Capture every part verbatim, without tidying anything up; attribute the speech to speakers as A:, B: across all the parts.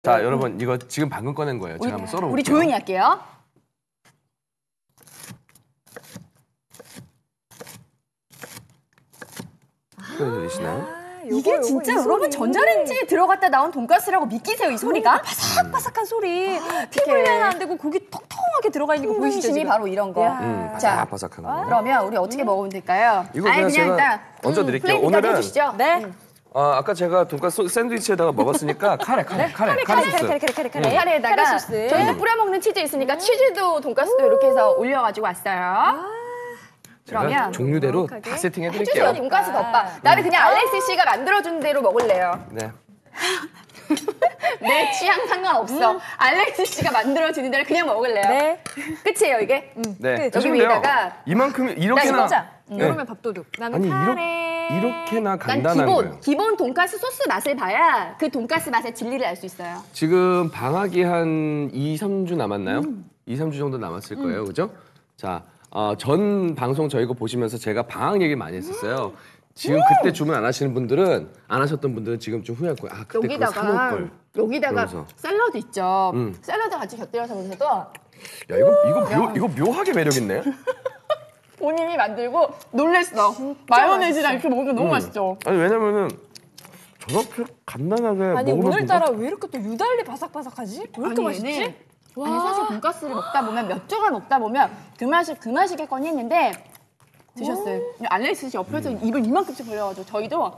A: 자, 여러분 이거 지금 방금 꺼낸 거예요. 제가 한번 썰어볼게요.
B: 우리 조용히 할게요.
A: 들리시나요?
B: 이게 요거, 진짜 요거, 여러분 전자레인지에 들어갔다 나온 돈가스라고 믿기세요, 이 소리가?
C: 바삭바삭한 소리. 피 불려는 안 되고 고기 톡톡하게 들어가 있는 거 보이시죠?
B: 힘이 바로 이런 거.
A: 음,
B: 자,
A: 바삭바삭한 거.
B: 그러면 우리 어떻게 먹으면 될까요?
A: 이거
B: 아니,
A: 그냥 제가
B: 일단
A: 얹어드릴게요.
B: 음,
A: 오늘은
B: 해주시죠.
C: 네.
B: 음.
A: 아, 아까 제가 돈가스 샌드위치에다가 먹었으니까 카레, 카레, 카레, 카레 소스.
C: 카레, 카레, 카레, 카레.
B: 카레에다가
C: 카레 소스.
B: 저희도 뿌려 먹는 치즈 있으니까 치즈도 돈가스도 이렇게 해서 올려가지고 왔어요.
A: 제가
B: 그러면
A: 종류대로 다 세팅해드릴게요.
B: 해주세요, 돈가스 덮밥. 나는 그냥 알렉스 씨가 만들어준 대로 먹을래요.
A: 네.
B: 내 취향 상관없어. 음. 알렉스 씨가 만들어주는 대로 그냥 먹을래요.
C: 네.
B: 끝이에요, 이게? 음.
A: 네.
B: 여기
A: 하시면 돼요.
B: 위에다가
A: 이만큼 이렇게나.
C: 자,
A: 네.
C: 여름에 밥도둑. 나는
A: 아니
C: 카레.
A: 이렇게, 이렇게나
B: 난
A: 간단한
B: 기본,
A: 거예요.
B: 기본 돈가스 소스 맛을 봐야 그 돈가스 맛의 진리를 알 수 있어요.
A: 지금 방학이 한 이, 삼 주 남았나요? 음. 이, 삼 주 정도 남았을 거예요. 음. 그죠? 자, 어, 전 방송 저희 거 보시면서 제가 방학 얘기 많이 했었어요. 지금 그때 주문 안 하시는 분들은, 안 하셨던 분들은 지금 좀 후회할 거예요. 아, 그때 그거 사놓을 걸.
B: 여기다가
A: 그러면서.
B: 샐러드 있죠.
A: 음.
B: 샐러드 같이 곁들여서 먹어도
A: 야, 이거, 이거, 묘, 이거 묘하게 매력있네?
B: 본인이 만들고 놀랬어. 마요네즈랑 이렇게 먹으면 너무
A: 음.
B: 맛있죠.
A: 아니, 왜냐면은 저렇게 간단하게
C: 아니
A: 먹으면
C: 오늘따라 왜 이렇게 또 유달리 바삭바삭하지? 왜 이렇게
B: 아니,
C: 맛있지?
B: 얘는 아니 사실 돈가스를 먹다 보면 몇 조각 먹다 보면 그 맛이 그 맛이겠거니 했는데 드셨어요. 알렉스 씨 옆에서
A: 음.
B: 입을 이만큼씩 벌려가지고 저희도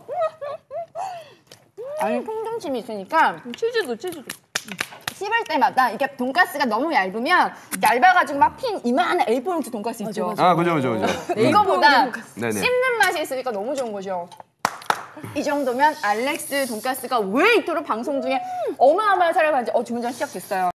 B: 아니 통정심이 있으니까
C: 치즈도 치즈도.
B: 씹을 때마다 이게 돈가스가 너무 얇으면 얇아가지고 막 핀 이만한 에이 포인트 돈가스 있죠.
A: 아, 그죠, 그죠, 그죠.
B: 이거보다
A: 네네.
B: 씹는 맛이 있으니까 너무 좋은 거죠. 이 정도면 알렉스 돈가스가 왜 이토록 방송 중에 어마어마한 사랑을 받는지 어, 주문전 시작됐어요.